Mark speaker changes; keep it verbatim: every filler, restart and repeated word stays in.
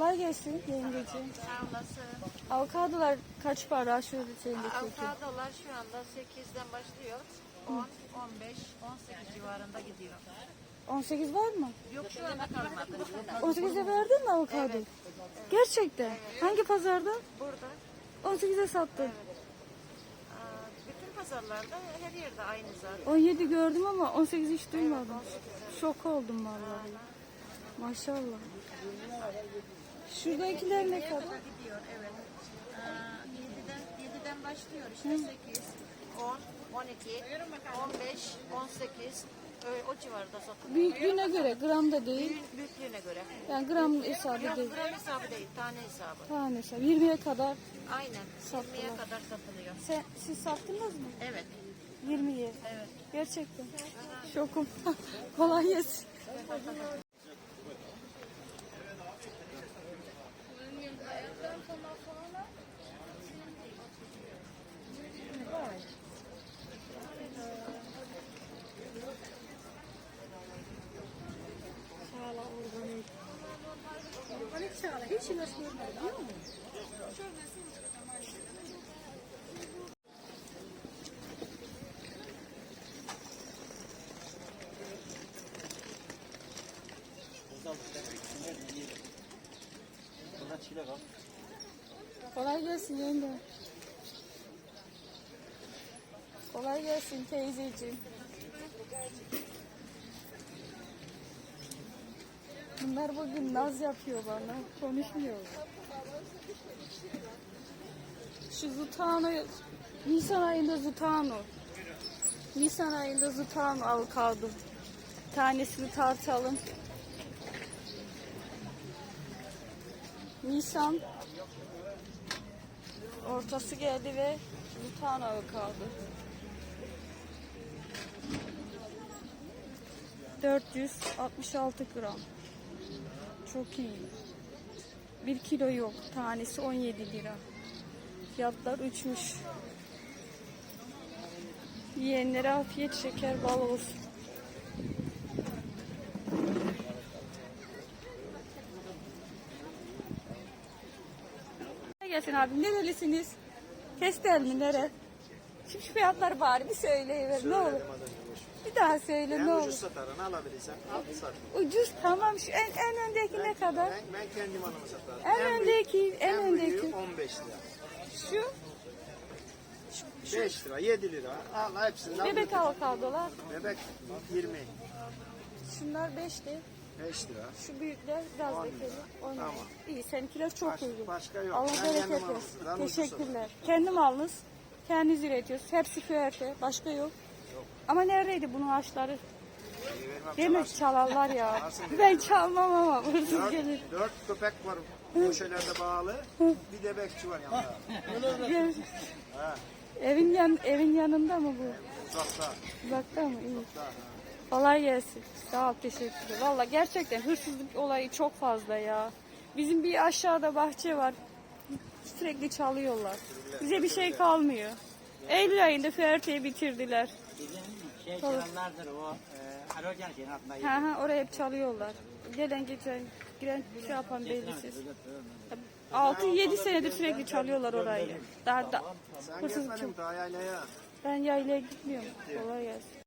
Speaker 1: Kolay gelsin yengeciğim.
Speaker 2: Sağ olasın.
Speaker 1: Avokadolar kaç para? Şöyle şeyinde çekeyim.
Speaker 2: Avokadolar şu anda sekizden başlıyor. on, on beş, on sekiz civarında gidiyor.
Speaker 1: on sekiz var mı?
Speaker 2: Yok şu anda kalmadı.
Speaker 1: on sekize verdin mi avokado?
Speaker 2: Evet.
Speaker 1: Gerçekten. Hangi pazarda?
Speaker 2: Burada
Speaker 1: on sekize sattın.
Speaker 2: aa, bütün pazarlarda her yerde aynı zaten.
Speaker 1: on yedi gördüm ama on sekiz hiç duymadım.
Speaker 2: on sekiz.
Speaker 1: Şok oldum vallahi. Maşallah. Şuradakiler ne kadar?
Speaker 2: Gidiyor evet. Aa, yediden, yediden başlıyor işte sekiz, on, on iki, on beş, on sekiz öyle o civarda satılıyor.
Speaker 1: Büyüklüğüne göre gramda değil.
Speaker 2: Büyük, büyüklüğüne göre.
Speaker 1: Yani gram hesabı
Speaker 2: Yok
Speaker 1: değil.
Speaker 2: gram hesabı değil, tane hesabı.
Speaker 1: Tanesi. yirmiye kadar.
Speaker 2: Aynen.
Speaker 1: Sattılar.
Speaker 2: yirmiye kadar satılıyor.
Speaker 1: Sen, siz sattınız mı?
Speaker 2: Evet.
Speaker 1: yirmiye.
Speaker 2: Evet.
Speaker 1: Gerçekten. Şokum. Kolay gelsin. Kolay gelsin yenge. Kolay gelsin teyzeciğim. Bunlar bugün naz yapıyor bana. Konuşmuyor. Şu Zutano, Nisan ayında Zutano. Nisan ayında Zutano avokado. Tanesini tartalım. Nisan ortası geldi ve Zutano avokado. dört yüz altmış altı gram. Çok iyi. bir kilo yok. Tanesi on yedi lira. Fiyatlar uçmuş. Yiyenlere afiyet şeker bal olsun. Gelsin abi. Nerelisiniz? Kestel mi? Nere? Şimdi şu fiyatları bari bir söyleyiver ne olur. Bir daha söyle
Speaker 3: En
Speaker 1: ne
Speaker 3: ucuz
Speaker 1: olur.
Speaker 3: satarını alabilirsen al sat.
Speaker 1: Ucuz tamam şu en, en öndeki ne kadar?
Speaker 3: Ben, ben kendim alımı satarım.
Speaker 1: En öndeki, en
Speaker 3: en büyüğü
Speaker 1: öndeki.
Speaker 3: on beş lira.
Speaker 1: Şu
Speaker 3: beş lira, yedi lira. Al hepsini al.
Speaker 1: bebek avokadolar.
Speaker 3: Bebek yirmi.
Speaker 1: Şunlar beşti.
Speaker 3: beş lira.
Speaker 1: Şu büyükler biraz
Speaker 3: On
Speaker 1: lekeli.
Speaker 3: lira.
Speaker 1: on lira.
Speaker 3: Tamam.
Speaker 1: İyi seninkiler çok
Speaker 3: Baş-
Speaker 1: uygun.
Speaker 3: başka yok.
Speaker 1: Allah
Speaker 3: Ben
Speaker 1: bereket
Speaker 3: kendim alırım.
Speaker 1: versin.
Speaker 3: Ben ucuz
Speaker 1: Teşekkürler. Kendim alınız. Kendiniz üretiyorsunuz. Hepsi füerte. Başka yok.
Speaker 3: Yok.
Speaker 1: Ama neredeydi bunun ağaçları?
Speaker 3: İyi, vermem,
Speaker 1: Değil mi?
Speaker 3: çalarsın.
Speaker 1: Çalarlar ya.
Speaker 3: Çalarsın.
Speaker 1: Ben çalmam ama hırsız
Speaker 3: Dört,
Speaker 1: gelir.
Speaker 3: dört köpek var köşelerde bağlı. Bir de bekçi var yanında.
Speaker 1: Gel.
Speaker 3: Ha,
Speaker 1: Evin yan evin yanında mı bu?
Speaker 3: uzakta.
Speaker 1: Uzakta mı? İyi.
Speaker 3: Uzakta, ha.
Speaker 1: Kolay gelsin. Sağ ol, teşekkürler. Valla gerçekten hırsızlık olayı çok fazla ya. Bizim bir aşağıda bahçe var. Sürekli çalıyorlar. Bize bir şey kalmıyor. Eylül ayında Ferte'yi bitirdiler.
Speaker 4: Bizim şey çalanlardır o e, Arogen şeyin altında.
Speaker 1: Ha ha oraya hep çalıyorlar. Gelen geçen giren şey yapan bellisiz. altı yedi senedir sürekli çalıyorlar orayı. Daha da
Speaker 3: Sen
Speaker 1: hırsızlık
Speaker 3: gezmedin
Speaker 1: çok.
Speaker 3: daha yaylaya.
Speaker 1: Ben yaylaya gitmiyorum. Kolay gelsin.